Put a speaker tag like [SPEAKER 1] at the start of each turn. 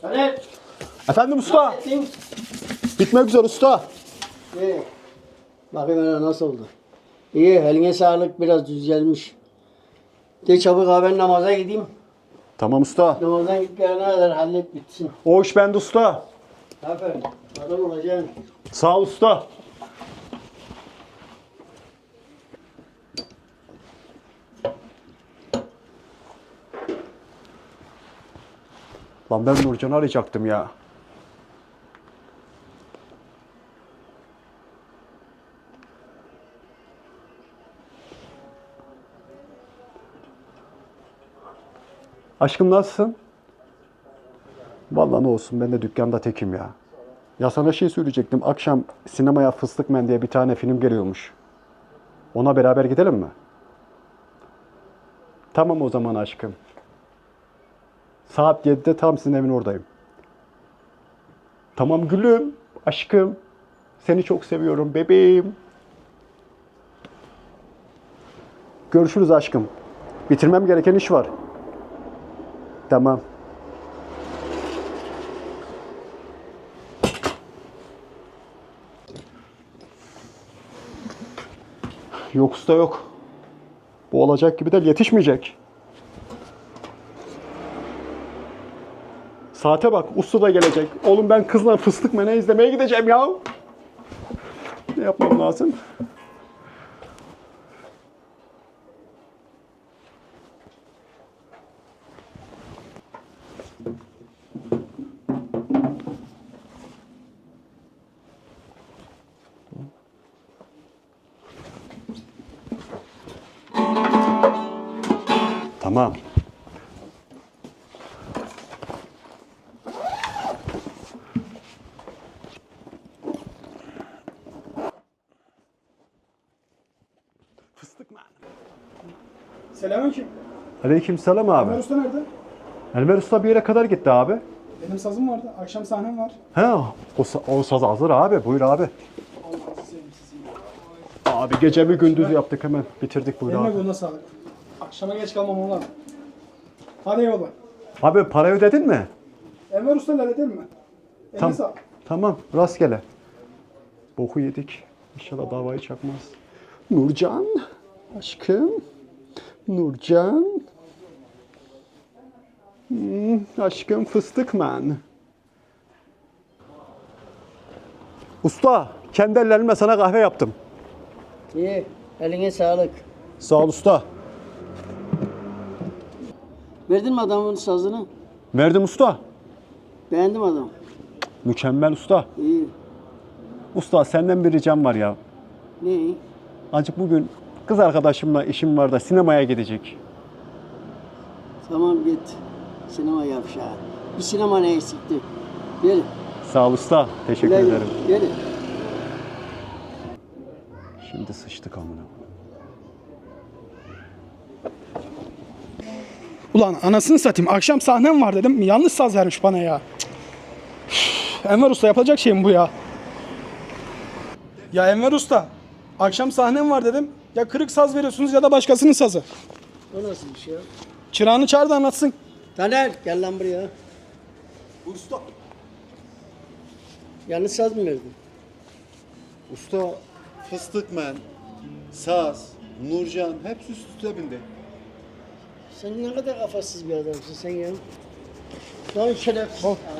[SPEAKER 1] Hadi.
[SPEAKER 2] Efendim usta.
[SPEAKER 1] Ettin.
[SPEAKER 2] Bitmek üzere usta.
[SPEAKER 1] İyi. Bakayım hele nasıl oldu. İyi, eline sağlık, biraz düzelmiş. De çabuk abi, ben namaza gideyim.
[SPEAKER 2] Tamam usta.
[SPEAKER 1] Namazdan gittiklerine kadar hallet bitsin.
[SPEAKER 2] O iş bende usta.
[SPEAKER 1] Aferin. Adam olacaksın.
[SPEAKER 2] Sağ ol usta. Lan ben Nurcan'ı arayacaktım ya. Aşkım nasılsın? Vallahi ne olsun, ben de dükkanda tekim ya. Ya sana şey söyleyecektim. Akşam sinemaya Fıstık Men diye bir tane film geliyormuş. Ona beraber gidelim mi? Tamam o zaman aşkım. Saat 7'de tam sizin evin oradayım. Tamam gülüm, aşkım. Seni çok seviyorum bebeğim. Görüşürüz aşkım. Bitirmem gereken iş var. Tamam. Yok usta yok. Bu olacak gibi değil, yetişmeyecek. Saate bak, usta da gelecek. Oğlum ben kızla Fıstık Men'e izlemeye gideceğim ya. Ne yapmam lazım? Tamam. Fıstık Men.
[SPEAKER 3] Selamünaleyküm.
[SPEAKER 2] Aleykümselam
[SPEAKER 3] Ömer
[SPEAKER 2] abi.
[SPEAKER 3] Usta nerede?
[SPEAKER 2] Elmer Usta bir yere kadar gitti abi.
[SPEAKER 3] Benim sazım vardı. Akşam sahnem var.
[SPEAKER 2] He, o saz hazır abi. Buyur abi.
[SPEAKER 3] Allah'ını seveyim sizi.
[SPEAKER 2] Abi gece bir gündüz yaptık, hemen bitirdik, buyur
[SPEAKER 3] Eline
[SPEAKER 2] abi.
[SPEAKER 3] koluna sağlık. Akşama geç kalmam oğlan. Hadi eyvallah.
[SPEAKER 2] Abi para ödedin mi?
[SPEAKER 3] Enver Usta halledin mi? Eline
[SPEAKER 2] Tam,
[SPEAKER 3] sağlık.
[SPEAKER 2] tamam, rastgele. Boku yedik. İnşallah davayı çakmaz. Nurcan, aşkım. Nurcan. Aşkım Fıstık Men. Usta, kendi ellerimle sana kahve yaptım.
[SPEAKER 1] İyi, eline sağlık.
[SPEAKER 2] Sağ ol usta.
[SPEAKER 1] Verdin mi adamın sazını?
[SPEAKER 2] Verdim usta.
[SPEAKER 1] Beğendim adam.
[SPEAKER 2] Mükemmel usta.
[SPEAKER 1] İyi.
[SPEAKER 2] Usta senden bir ricam var ya.
[SPEAKER 1] Ne?
[SPEAKER 2] Acık bugün kız arkadaşımla işim var da sinemaya gidecek.
[SPEAKER 1] Tamam git. Sinema yavşağı. Bir sinema ne eksikti? Gel.
[SPEAKER 2] Sağ ol usta. Teşekkür
[SPEAKER 1] Gel.
[SPEAKER 2] ederim.
[SPEAKER 1] Gel.
[SPEAKER 2] Şimdi sıçtık amına.
[SPEAKER 3] Ulan anasını satayım. Akşam sahnem var dedim. Yanlış saz vermiş bana ya. Cık. Üf, Enver Usta yapacak şey mi bu ya? Ya Enver Usta. Akşam sahnem var dedim. Ya kırık saz veriyorsunuz ya da başkasının sazı.
[SPEAKER 1] O nasıl bir şey ya?
[SPEAKER 3] Çırağını çağır da anlatsın.
[SPEAKER 1] Taner gel lan buraya.
[SPEAKER 2] Usta.
[SPEAKER 1] Yanlış saz mı verdin?
[SPEAKER 4] Usta, Fıstık Men, Saz, Nurcan hepsi üst üste bindi.
[SPEAKER 1] Sen ne kadar kafasız bir adamsın sen ya. Lan şerefsiz.